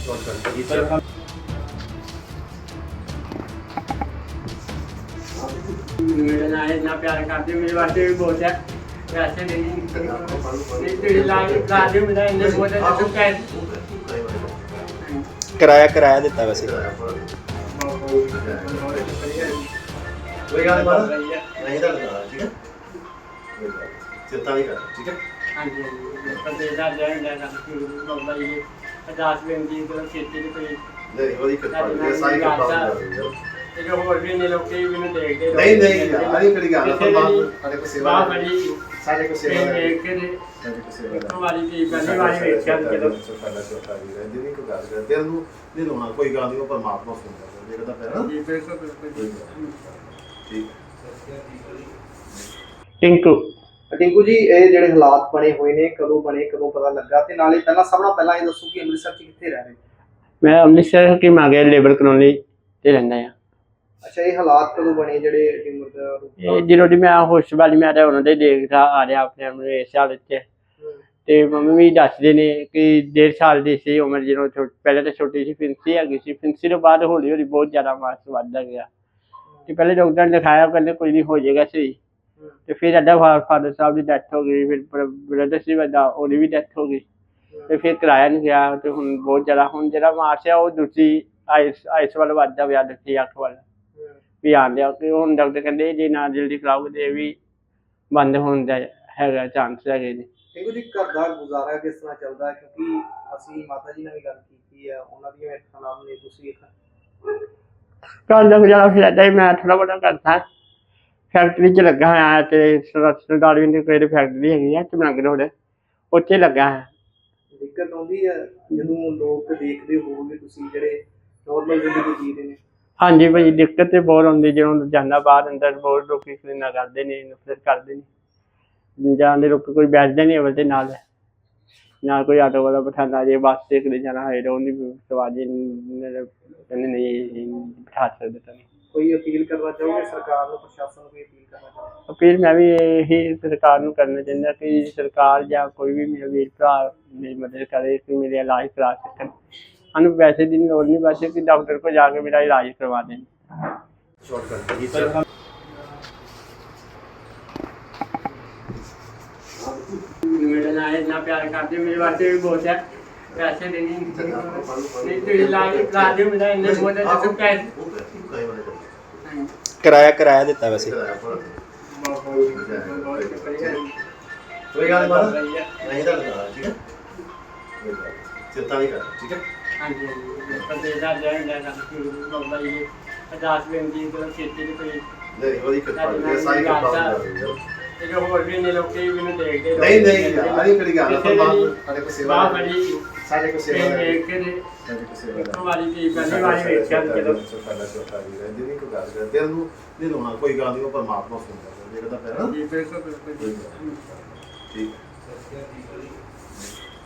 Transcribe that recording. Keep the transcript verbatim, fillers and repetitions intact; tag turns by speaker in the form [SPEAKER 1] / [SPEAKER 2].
[SPEAKER 1] मेरे ना इतना प्यार करते मेरे वास्ते भी बहुत है वैसे नहीं नहीं तेरी लाइफ लाइफ मेरा इन्हें बहुत है तो क्या
[SPEAKER 2] ਕਿਰਾਇਆ ਕਿਰਾਇਆ ਦਿੱਤਾ ਵੈਸੇ
[SPEAKER 3] कोई गल नहीं नहीं तो लगा ठीक है चिंता नहीं कर ठीक है
[SPEAKER 1] हाँ जी पर दे दा जाए ना बाबा जी पचास बेंदी को खेती की कोई
[SPEAKER 3] नहीं वो दिक्कत है सारी का प्रॉब्लम
[SPEAKER 1] ਤੇ ਜੋ ਹੋਰ ਵੀ ਨੇ ਲੋਕੀ ਮੈਨੂੰ ਦੇਖਦੇ
[SPEAKER 3] नहीं नहीं यार ये कड़ी गल है ਸਾਡੇ ਕੋ ਸੇਵਾ
[SPEAKER 1] ਬਾਹ ਬੜੀ
[SPEAKER 3] ਸਾਡੇ ਕੋ ਸੇਵਾ ਹੈ
[SPEAKER 1] ਦੇਖ ਕੇ ਦੇ
[SPEAKER 3] ਸਾਡੇ ਕੋ ਸੇਵਾ
[SPEAKER 1] ਇੱਕ ਵਾਰੀ ਦੀ ਪਹਿਲੀ ਵਾਰੀ ਵੇਖਿਆ ਜਦੋਂ
[SPEAKER 3] ਸਾਡਾ ਛੋਟਾ ਵੀਰ ਹੈ ਜਿਹਨੇ ਕੋ ਗੱਲ ਕਰ ਦਿਲ ਨੂੰ ਨਹੀਂ ਰੋਣਾ ਕੋਈ ਗੱਲ ਨਹੀਂ ਉਹ ਪਰਮਾਤਮਾ ਸੁਣਦਾ ਦੇਖਦਾ ਪਿਆ ਨਾ
[SPEAKER 1] ਜੀ ਬਿਲਕੁਲ ਬਿਲਕੁਲ
[SPEAKER 3] ਠੀਕ
[SPEAKER 1] ਟਿੰਕੂ
[SPEAKER 4] ਟਿੰਕੂ ਜੀ ਇਹ ਜਿਹੜੇ ਹਾਲਾਤ ਬਣੇ ਹੋਏ ਨੇ ਕਦੋਂ ਬਣੇ ਕਦੋਂ ਪਤਾ ਲੱਗਾ ਤੇ ਨਾਲੇ ਪਹਿਲਾਂ ਸਭ ਨਾਲੋਂ ਪਹਿਲਾਂ ਇਹ ਦੱਸੋ ਕਿ ਅੰਮ੍ਰਿਤਸਰ 'ਚ ਕਿੱਥੇ ਰਹਿ ਰਹੇ?
[SPEAKER 1] ਮੈਂ ਅੰਮ੍ਰਿਤਸਰ ਕੀ ਮੰਗਿਆ ਲੇਬਰ ਕਲੋਨੀ ਤੇ ਰਹਿੰਦਾ ਆ।
[SPEAKER 4] ਅੱਛਾ ਇਹ ਹਾਲਾਤ ਕਦੋਂ ਬਣੇ ਜਿਹੜੇ ਟਿੰਗਰ ਦਾ
[SPEAKER 1] ਇਹ ਜਦੋਂ ਦੀ ਮੈਂ ਹੋਸ਼ ਵਾਲੀ ਮੈਂ ਤਾਂ ਉਹਨਾਂ ਦੇ ਦੇਖਦਾ ਆ ਰਿਹਾ ਆਪਣੇ ਆਪਣੇ ਇਸ ਹਾਲਤ 'ਚ ਤੇ ਮੰਮੀ ਵੀ ਦੱਸਦੇ ਨੇ ਕਿ ਡੇਢ ਸਾਲ ਦੀ ਸੀ ਉਮਰ ਜਦੋਂ ਪਹਿਲਾਂ ਤਾਂ ਛੋਟੀ ਸੀ ਫਿੰਸੀ ਹੈਗੀ ਸੀ ਫਿੰਸੀ ਤੋਂ ਬਾਅਦ ਹੌਲੀ ਹੌਲੀ ਬਹੁਤ ਜ਼ਿਆਦਾ ਮਾਸ ਵੱਧਦਾ ਗਿਆ ਤੇ ਪਹਿਲੇ ਡਾਕਟਰ ਨੇ ਦਿਖਾਇਆ ਕਹਿੰਦੇ ਕੋਈ ਨਹੀਂ ਹੋ ਜਾਏਗਾ ਸਹੀ ਤੇ ਫਿਰ ਅੱਡਾ ਫਾਦਰ ਸਾਹਿਬ ਦੀ ਡੈਥ ਹੋ ਗਈ ਫਿਰ ਬ੍ਰਦਰ ਸੀ ਵੱਡਾ ਉਹਦੀ ਵੀ ਡੈਥ ਹੋ ਗਈ ਤੇ ਫਿਰ ਕਿਰਾਇਆ ਨਹੀਂ ਗਿਆ ਤੇ ਹੁਣ ਬਹੁਤ ਜ਼ਿਆਦਾ ਹੁਣ ਜਿਹੜਾ ਮਾਸ ਆ ਉਹ ਦੂਜੀ ਆਈਸ ਆਈਸ ਵੱਲ ਵੱਧਦਾ ਪਿਆ ਦੂਜੀ ਅੱਖ ਵੱਲ ਵੀ ਆਉਂਦੇ ਕਿ ਹੁਣ ਡਾਕਟਰ ਕਹਿੰਦੇ ਜੇ ਨਾ ਜਲਦੀ ਕਰਾਓਗੇ ਤੇ ਇਹ ਵੀ ਬੰਦ ਹੋਣ ਦਾ ਹੈਗਾ ਚਾਂਸ ਹੈਗੇ ਨੇ।
[SPEAKER 4] ਟਿੰਕੂ ਜੀ ਘਰ ਦਾ ਗੁਜ਼ਾਰਾ ਕਿਸ ਤਰ੍ਹਾਂ ਚੱਲਦਾ ਕਿਉਂਕਿ ਅਸੀਂ ਮਾਤਾ ਜੀ ਨਾਲ ਵੀ ਗੱਲ ਕੀਤੀ ਆ ਉਹਨਾਂ ਦੀਆਂ ਅੱਖਾਂ ਨਾਲ ਨੇ ਤੁਸੀਂ
[SPEAKER 1] ਘਰ ਦਾ ਗੁਜ਼ਾਰਾ ਫਿਰ ਏਦਾਂ ਹੀ ਮੈਂ ਥੋੜ੍ਹਾ ਬਹੁਤਾ ਕਰਦਾ ਫੈਕਟਰੀ 'ਚ ਲੱਗਾ ਹੋਇਆ ਤੇ ਸਰਦਾਰ ਵੀ ਕੋਈ ਫੈਕਟਰੀ ਹੈਗੀ ਆ ਚਮਰੰਗ ਰੋਡ ਉੱਥੇ ਲੱਗਾ ਹੈ।
[SPEAKER 4] ਦਿੱਕਤ ਆਉਂਦੀ ਹੈ ਜਦੋਂ ਲੋਕ ਦੇਖਦੇ ਹੋਵੋਗੇ ਤੁਸੀਂ ਜਿਹੜੇ ਨੋਰਮਲ ਜ਼ਿੰਦਗੀ ਜੀ ਰਹੇ ਨੇ?
[SPEAKER 1] ਹਾਂਜੀ ਭਾਈ ਦਿੱਕਤ ਤੇ ਬਹੁਤ ਆਉਂਦੀ ਜਦੋਂ ਜਾਂਦਾ ਬਾਹਰ ਅੰਦਰ ਬਹੁਤ ਲੋਕੀ ਕਲੀਨਾ ਕਰਦੇ ਨੇ ਨਫ਼ਰਤ ਕਰਦੇ ਨੇ ਜਾਂਦੇ ਲੋਕ ਕੋਈ ਬੈਠਦਾ ਨਹੀਂ ਅਵਲ ਤੇ ਨਾਲ ਨਾ ਕੋਈ ਆਟੋ ਵਾਲਾ ਬਿਠਾਉਂਦਾ ਜੇ ਬੱਸ ਤੇ ਕਿਤੇ ਜਾਣਾ ਹੋਏ ਤਾਂ ਉਹਦੀ ਸਵਾਰੀ ਕਹਿੰਦੇ ਨਹੀਂ ਬਿਠਾ ਸਕਦੇ ਤਾਂ ਨਹੀਂ।
[SPEAKER 4] ਕੋਈ ਅਪੀਲ ਕਰਨਾ ਚਾਹੋਗੇ ਸਰਕਾਰ ਨੂੰ ਪ੍ਰਸ਼ਾਸਨ ਨੂੰ ਕੋਈ ਅਪੀਲ ਕਰਨਾ ਚਾਹੋਗੇ?
[SPEAKER 1] ਅਪੀਲ ਮੈਂ ਵੀ ਇਹੀ ਸਰਕਾਰ ਨੂੰ ਕਰਨਾ ਚਾਹੁੰਦਾ ਕਿ ਸਰਕਾਰ ਜਾਂ ਕੋਈ ਵੀ ਮੇਰਾ ਵੀਰ ਭਰਾ ਮੇਰੀ ਮਦਦ ਕਰੇ ਕਿ ਮੇਰੇ ਇਲਾਜ ਕਰਾ ਸਕਣ ਸਾਨੂੰ ਪੈਸੇ ਦੀ ਲੋੜ ਨਹੀਂ ਬਸ ਕਿ ਡਾਕਟਰ ਕੋਲ ਜਾ ਕੇ ਮੇਰਾ ਇਲਾਜ ਕਰਵਾ ਦੇਣ।
[SPEAKER 3] शॉर्टकट जी सर
[SPEAKER 1] मेरे ना इतना प्यार करते मेरे वास्ते भी बहुत है वैसे नहीं नहीं तेरी लाइफ लाइफ मेरा इन्हें बहुत है तो क्या
[SPEAKER 2] ਕਿਰਾਇਆ ਕਿਰਾਇਆ ਦਿੱਤਾ ਵੈਸੇ
[SPEAKER 3] कोई गल नहीं तो लगा ठीक है चिंता नहीं कर ठीक है
[SPEAKER 1] हाँ जी पर दे दा जाए ना बाबा जी पचास बेंदी को खेती की कोई
[SPEAKER 3] नहीं वो दिक्कत है सारी का प्रॉब्लम
[SPEAKER 1] ਤੇ ਜੋ ਹੋਰ ਵੀ ਨੇ ਲੋਕੀ ਮੈਨੂੰ ਦੇਖਦੇ
[SPEAKER 3] नहीं नहीं यार ये कड़ी गल है ਸਾਡੇ ਕੋ ਸੇਵਾ
[SPEAKER 1] ਬਾਹ
[SPEAKER 3] ਹੈ
[SPEAKER 1] ਬੜੀ
[SPEAKER 3] ਸਾਡੇ ਕੋ ਸੇਵਾ ਹੈ
[SPEAKER 1] ਦੇਖ ਕੇ ਦੇ
[SPEAKER 3] ਸਾਡੇ ਕੋ ਸੇਵਾ
[SPEAKER 1] ਇੱਕ
[SPEAKER 3] ਹੈ
[SPEAKER 1] ਵਾਰੀ ਦੀ ਪਹਿਲੀ ਵਾਰੀ ਵੇਖਿਆ ਜਦੋਂ
[SPEAKER 3] ਸਾਡਾ ਛੋਟਾ ਵੀਰ ਹੈ ਜਿਹਨੇ ਕੋ ਗੱਲ ਕਰ ਦਿਲ ਨੂੰ ਨਹੀਂ ਰੋਣਾ ਕੋਈ ਗੱਲ ਨਹੀਂ ਉਹ ਪਰਮਾਤਮਾ ਸੁਣਦਾ ਦੇਖਦਾ ਪਿਆ ਨਾ
[SPEAKER 1] ਜੀ ਬਿਲਕੁਲ ਬਿਲਕੁਲ
[SPEAKER 3] ਠੀਕ